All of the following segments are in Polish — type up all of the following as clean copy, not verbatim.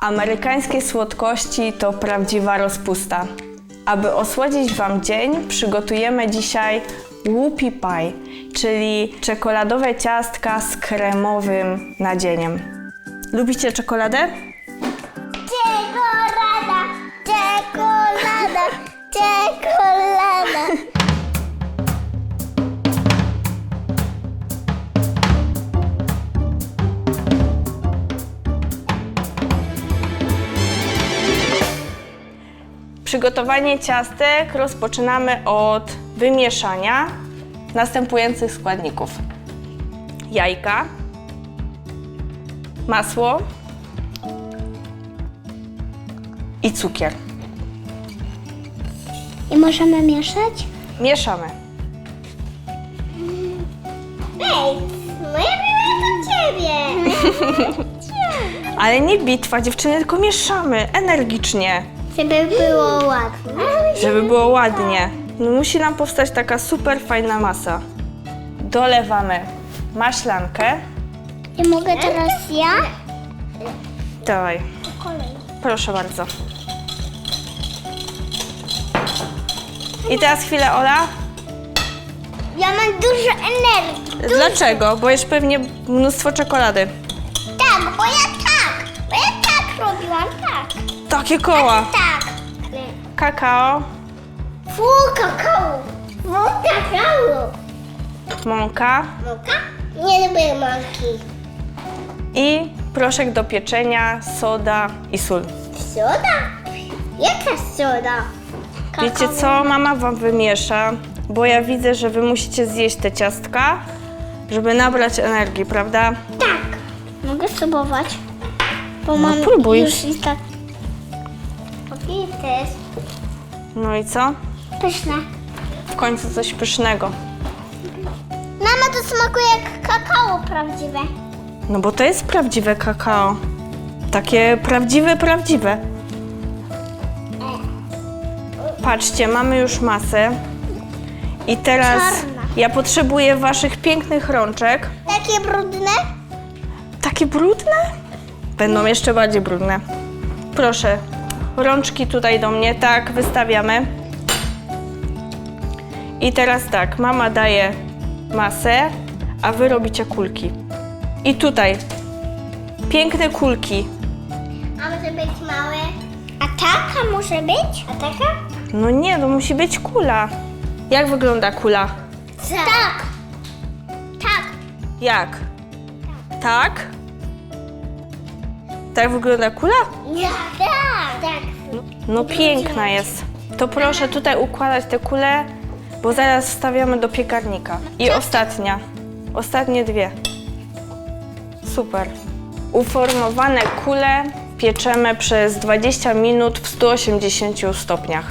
Amerykańskie słodkości to prawdziwa rozpusta. Aby osłodzić Wam dzień, przygotujemy dzisiaj whoopie pie, czyli czekoladowe ciastka z kremowym nadzieniem. Lubicie czekoladę? Czekolada, czekolada, czekolada. Przygotowanie ciastek rozpoczynamy od wymieszania następujących składników: jajka, masło i cukier. I możemy mieszać? Mieszamy. Ej, moja biała do ciebie. Ale nie bitwa, dziewczyny, tylko mieszamy energicznie, Żeby było ładnie. żeby było ładnie. No, musi nam powstać taka super fajna masa. Dolewamy maślankę. I mogę teraz ja? Dawaj, Po kolei. proszę bardzo. I teraz chwilę, Ola. Ja mam dużo energii. Dlaczego? Bo jesz pewnie mnóstwo czekolady. Tak, bo ja tak robiłam, tak. Takie koła. Tak. Kakao, Fu, kakao. Fu, kakao. mąka Mąka? Nie lubię mąki. i proszek do pieczenia, soda i sól. Soda? Jaka soda? Wiecie co? Mama Wam wymiesza, bo ja widzę, że Wy musicie zjeść te ciastka, żeby nabrać energii, prawda? Tak. Mogę spróbować? Bo mam próbuj. już i tak. Okej, to jest No i co? pyszne. W końcu coś pysznego. Mama, to smakuje jak kakao prawdziwe. No bo to jest prawdziwe kakao. Takie prawdziwe. Patrzcie, mamy już masę. I teraz Czarna. ja potrzebuję Waszych pięknych rączek. Takie brudne? Takie brudne? Będą jeszcze bardziej brudne. Proszę, rączki tutaj do mnie, tak, wystawiamy. I teraz tak, mama daje masę, a Wy robicie kulki. I tutaj, piękne kulki. A może być małe? A taka może być? A taka? No nie, to musi być kula. Jak wygląda kula? Tak. Tak. Jak? Tak? Tak wygląda kula? Nie. Tak. Tak. No piękna jest. To proszę tutaj układać te kule, bo zaraz wstawiamy do piekarnika. I ostatnia. Ostatnie dwie. Super. Uformowane kule pieczemy przez 20 minut w 180 stopniach.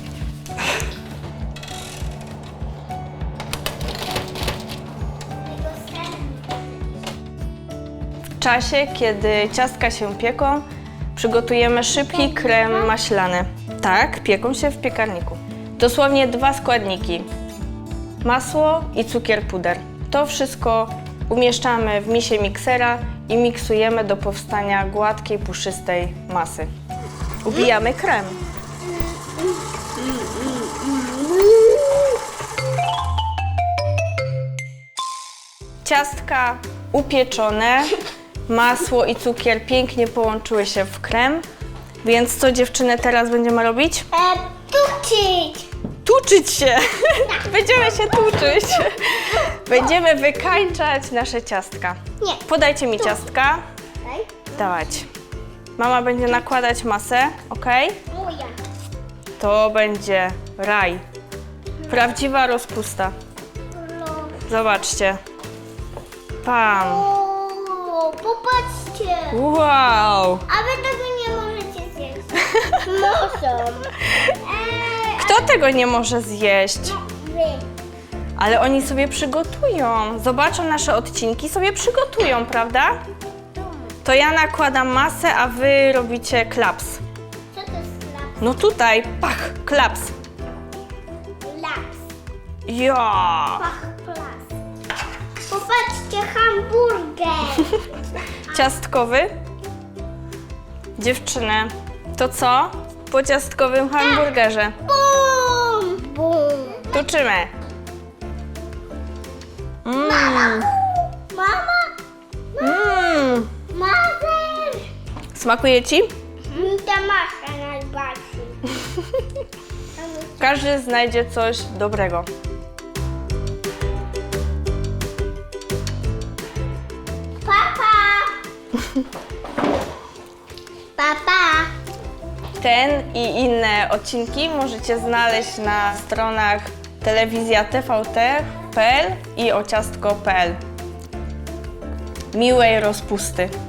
W czasie, kiedy ciastka się pieką, przygotujemy szybki krem maślany. Tak, pieką się w piekarniku. Dosłownie 2 składniki. Masło i cukier puder. To wszystko umieszczamy w misie miksera i miksujemy do powstania gładkiej, puszystej masy. Ubijamy krem. Ciastka upieczone, masło i cukier pięknie połączyły się w krem. Więc co, dziewczyny, teraz będziemy robić? Tuczyć. Tuczyć się! Będziemy się tuczyć. Będziemy wykańczać nasze ciastka. Nie. Podajcie mi ciastka. Daj. Dawać. Mama będzie nakładać masę, ok? Moja. To będzie raj. Prawdziwa rozpusta. Zobaczcie. Pam. O, popatrzcie. Wow! A wy tego nie możecie zjeść. Muszą. Kto tego nie może zjeść? Wy. Ale oni sobie przygotują. Zobaczą nasze odcinki, sobie przygotują, prawda? To ja nakładam masę, a wy robicie klaps. Co to jest laps? No tutaj, pach, klaps. Laps. Ja. Pach, plas. Popatrzcie, hamburger. Ciastkowy. Dziewczyny, to co? Po ciastkowym hamburgerze. Bum! Bum! Tuczymy. Mama! Mother! Smakuje ci? Mi ta masza najbardziej. Każdy znajdzie coś dobrego. Papa! Papa! Ten i inne odcinki możecie znaleźć na stronach telewizja tvt.pl i ociastko.pl. Miłej rozpusty.